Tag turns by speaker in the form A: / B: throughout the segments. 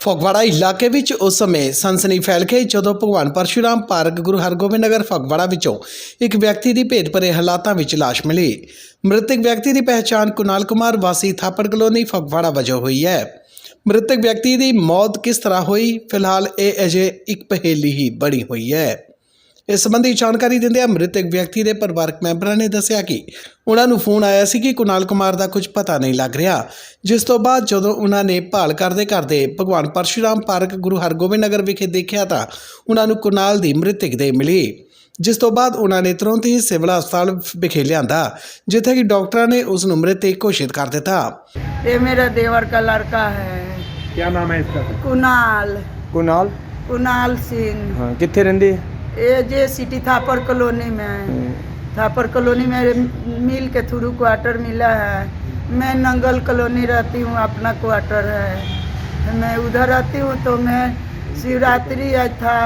A: ਫਗਵਾੜਾ ਇਲਾਕੇ ਵਿੱਚ ਉਸ ਸਮੇਂ ਸਨਸਨੀ ਫੈਲ ਗਈ ਜਦੋਂ ਭਗਵਾਨ ਪਰਸ਼ੂਰਾਮ ਪਾਰਕ ਗੁਰੂ ਹਰਗੋਬਿੰਦ ਨਗਰ ਫਗਵਾੜਾ ਵਿੱਚੋਂ ਇੱਕ ਵਿਅਕਤੀ ਦੀ ਭੇਦ ਭਰੇ ਹਾਲਾਤਾਂ ਵਿੱਚ ਲਾਸ਼ ਮਿਲੀ। ਮ੍ਰਿਤਕ ਵਿਅਕਤੀ ਦੀ ਪਹਿਚਾਣ ਕੁਨਾਲ ਕੁਮਾਰ ਵਾਸੀ ਥਾਪੜ ਕਲੋਨੀ ਫਗਵਾੜਾ ਵਜੋਂ ਹੋਈ ਹੈ। ਮ੍ਰਿਤਕ ਵਿਅਕਤੀ ਦੀ ਮੌਤ ਕਿਸ ਤਰ੍ਹਾਂ ਹੋਈ, ਫਿਲਹਾਲ ਇਹ ਅਜੇ ਇੱਕ ਪਹੇਲੀ ਹੀ ਬਣੀ ਹੋਈ ਹੈ। ਇਸ ਸੰਬੰਧੀ ਜਾਣਕਾਰੀ ਦਿੰਦਿਆਂ ਮ੍ਰਿਤਕ ਵਿਅਕਤੀ ਦੇ ਪਰਿਵਾਰਕ ਮੈਂਬਰਾਂ ਨੇ ਦੱਸਿਆ ਕਿ ਉਹਨਾਂ ਨੂੰ ਫੋਨ ਆਇਆ ਸੀ ਕਿ ਕੁਨਾਲ ਕੁਮਾਰ ਦਾ ਕੁਝ ਪਤਾ ਨਹੀਂ ਲੱਗ ਰਿਹਾ, ਜਿਸ ਤੋਂ ਬਾਅਦ ਜਦੋਂ ਉਹਨਾਂ ਨੇ ਭਾਲ ਕਰਦੇ ਭਗਵਾਨ ਪਰਸ਼ੂਰਾਮ ਪਾਰਕ ਗੁਰੂ ਹਰਗੋਬਿੰਦ ਨਗਰ ਵਿਖੇ ਦੇਖਿਆ ਤਾਂ ਉਹਨਾਂ ਨੂੰ ਕੁਨਾਲ ਦੀ ਮ੍ਰਿਤਕ ਦੇਹ ਮਿਲੀ, ਜਿਸ ਤੋਂ ਬਾਅਦ ਉਹਨਾਂ ਨੇ ਤੁਰੰਤ ਹੀ ਸਿਵਲ ਹਸਪਤਾਲ ਵਿਖੇ ਲਿਆਂਦਾ, ਜਿੱਥੇ ਕਿ ਡਾਕਟਰਾਂ ਨੇ ਉਸ ਨੂੰ ਮ੍ਰਿਤਕ ਘੋਸ਼ਿਤ ਕਰ ਦਿੱਤਾ।
B: ये मेरा देवर का लड़का है।
C: क्या नाम है इसका?
B: कुनाल
C: कुनाल।
B: कुनाल सिंह।
C: हाँ, कितने रहंदे?
B: ये जे सिटी थापर कॉलोनी में थापर कॉलोनी में मिल के थ्रू क्वार्टर मिला है। मैं नंगल कॉलोनी रहती हूँ, अपना क्वार्टर है। मैं उधर रहती हूँ तो मैं शिवरात्रि आज था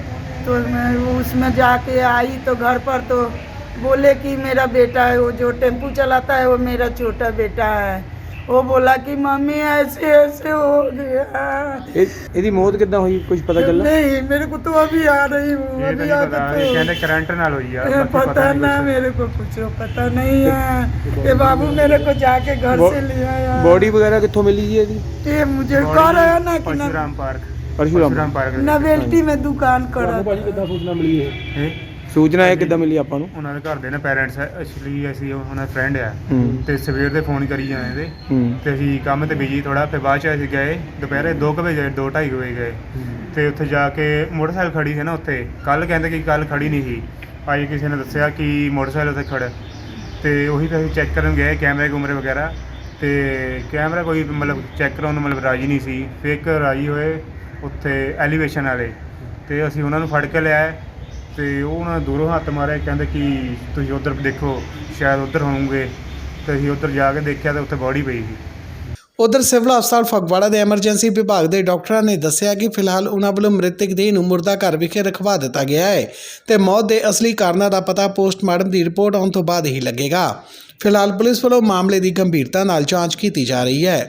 B: तो मैं उसमें जाके आई तो घर पर तो बोले कि मेरा बेटा है, वो जो टेम्पू चलाता है वो मेरा छोटा बेटा है। वो बोला कि मम्मी ऐसे ऐसे हो गया।
C: ਇਹਦੀ ਮੌਤ ਕਿੱਦਾਂ ਹੋਈ, ਕੁਝ ਪਤਾ ਚੱਲਾ?
B: नहीं, मेरे को तो अभी आ रही हूँ, अभी आ
D: ਕਹਿੰਦੇ ਕਰੰਟ ਨਾਲ ਹੋਈ ਆ, ਬਾਕੀ
B: पता ना, मेरे को कुछ पता नहीं है। ये बाबू मेरे को जाके घर से ले आया।
C: ਬੋਡੀ ਵਗੈरह ਕਿੱਥੋਂ ਮਿਲੀ ਜੀ ਇਹਦੀ?
B: ये मुझे कह रहा है ना कि
D: Parshuram park
C: Parshuram
D: park
B: novelty में दुकान करा।
C: ਕਿੱਦਾਂ ਸੂਚਨਾ ਮਿਲੀ
D: ਇਹ
C: ਸੂਚਨਾ ਇਹ ਕਿੱਦਾਂ ਮਿਲੀ ਆਪਾਂ ਨੂੰ?
D: ਉਹਨਾਂ ਦੇ ਘਰ ਦੇ ਨੇ ਪੇਰੈਂਟਸ ਐਕਚੁਅਲੀ ਅਸੀਂ ਉਹਨਾਂ ਦਾ ਫਰੈਂਡ ਆ
C: ਹੂੰ।
D: ਤੇ ਸਵੇਰ ਦੇ ਫੋਨ ਕਰੀ ਜਾਂਦੇ ਤੇ
C: ਹੂੰ।
D: ਤੇ ਅਸੀਂ ਕੰਮ ਤੇ ਬਿਜੀ ਥੋੜਾ, ਫਿਰ ਬਾਅਦ ਚ ਅਸੀਂ ਗਏ ਦੁਪਹਿਰੇ 2 ਵਜੇ 2:30 ਵਜੇ ਗਏ ਤੇ ਉੱਥੇ ਜਾ ਕੇ ਮੋਟਰਸਾਈਕਲ ਖੜੀ ਸੀ ਨਾ ਉੱਥੇ, ਕੱਲ ਕਹਿੰਦੇ ਕਿ ਕੱਲ ਖੜੀ ਨਹੀਂ ਸੀ, ਅੱਜ ਕਿਸੇ ਨੇ ਦੱਸਿਆ ਕਿ ਮੋਟਰਸਾਈਕਲ ਉੱਥੇ ਖੜਾ ਤੇ ਉਹੀ ਫਿਰ ਅਸੀਂ ਚੈੱਕ ਕਰਨ ਗਏ ਕੈਮਰੇ ਕੁਮਰੇ ਵਗੈਰਾ ਤੇ ਕੈਮਰਾ ਕੋਈ ਮਤਲਬ ਚੈੱਕ ਕਰਾਉਣ ਨੂੰ ਮਤਲਬ ਰਾਜੀ ਨਹੀਂ ਸੀ। ਫਿਰ ਇੱਕ ਰਾਜੀ ਹੋਏ ਉੱਥੇ ਐਲੀਵੇਸ਼ਨ ਵਾਲੇ ਤੇ ਅਸੀਂ ਉਹਨਾਂ ਨੂੰ ਫੜ ਕੇ ਲਿਆਏ ਤੇ ਉਹ ਉਹਨਾਂ ਨੇ ਦੂਰੋਂ ਹੱਥ ਮਾਰੇ, ਕਹਿੰਦੇ ਕਿ ਤੁਸੀਂ ਉੱਧਰ ਦੇਖੋ ਸ਼ਾਇਦ ਉੱਧਰ ਹੋਣਗੇ ਤੇ ਅਸੀਂ ਉੱਧਰ ਜਾ ਕੇ ਦੇਖਿਆ ਤੇ ਉੱਥੇ ਬੋਡੀ ਪਈ ਸੀ।
A: ਉਧਰ ਸਿਵਲ ਹਸਪਤਾਲ ਫਗਵਾੜਾ ਦੇ ਐਮਰਜੈਂਸੀ ਵਿਭਾਗ ਦੇ ਡਾਕਟਰਾਂ ਨੇ ਦੱਸਿਆ ਕਿ ਫਿਲਹਾਲ ਉਹਨਾਂ ਵੱਲੋਂ ਮ੍ਰਿਤਕ ਦੇਹ ਨੂੰ ਮੁਰਦਾ ਘਰ ਵਿਖੇ ਰਖਵਾ ਦਿੱਤਾ ਗਿਆ ਹੈ ਤੇ ਮੌਤ ਦੇ ਅਸਲੀ ਕਾਰਨਾਂ ਦਾ ਪਤਾ ਪੋਸਟਮਾਰਟਮ ਦੀ ਰਿਪੋਰਟ ਆਉਣ ਤੋਂ ਬਾਅਦ ਹੀ ਲੱਗੇਗਾ। ਫਿਲਹਾਲ ਪੁਲਿਸ ਵੱਲੋਂ ਮਾਮਲੇ ਦੀ ਗੰਭੀਰਤਾ ਨਾਲ ਜਾਂਚ ਕੀਤੀ ਜਾ ਰਹੀ ਹੈ।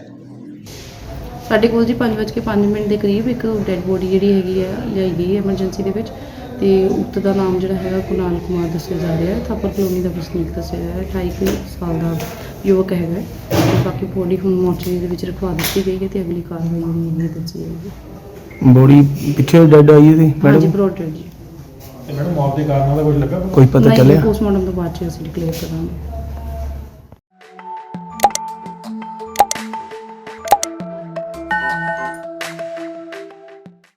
E: ਸਾਡੇ ਕੋਲ ਜੀ 5:05 ਦੇ ਕਰੀਬ ਇੱਕ ਡੈੱਡ ਬੋਡੀ ਜਿਹੜੀ ਹੈਗੀ ਹੈ ਲਿਆਈ ਗਈ ਐਮਰਜੈਂਸੀ ਦੇ ਵਿੱਚ ਤੇ ਉਕਤ ਦਾ ਨਾਮ ਜਿਹੜਾ ਹੈਗਾ ਕੁਨਾਲ ਕੁਮਾਰ ਦੱਸਿਆ ਜਾ ਰਿਹਾ ਹੈ। ਥਾਪਰ ਕਲੋਨੀ ਦਾ ਵਸਨੀਕ ਦੱਸਿਆ ਜਾ ਰਿਹਾ ਹੈ। 28 ਸਾਲ ਦਾ ਯੁਵਕ ਹੈਗਾ ਤੇ ਬਾਕੀ ਬੋਡੀ ਹੁਣ ਮੋਰਚਰੀ ਦੇ ਵਿੱਚ ਰਖਵਾ ਦਿੱਤੀ ਗਈ ਹੈ ਤੇ ਅਗਲੀ ਕਾਰਵਾਈ ਜਿਹੜੀ ਦੱਸੀ ਜਾਏਗੀ।
C: ਬੋਡੀ ਪਿੱਛੇ ਡੈਡ ਆਈ ਸੀ
E: ਹਾਂਜੀ, ਬਰੋਡ ਡੈਡ ਜੀ।
F: ਮੈਡਮ ਮੌਤ ਦੇ ਕਾਰਨਾਂ ਦਾ ਕੁਝ ਲੱਗਾ?
C: ਕੋਈ ਪਤਾ ਚੱਲਿਆ?
E: ਪੋਸਟਮਾਰਟਮ ਤੋਂ ਬਾਅਦ ਚ ਅਸੀਂ ਡਿਕਲੇਅਰ ਕਰਾਂਗੇ।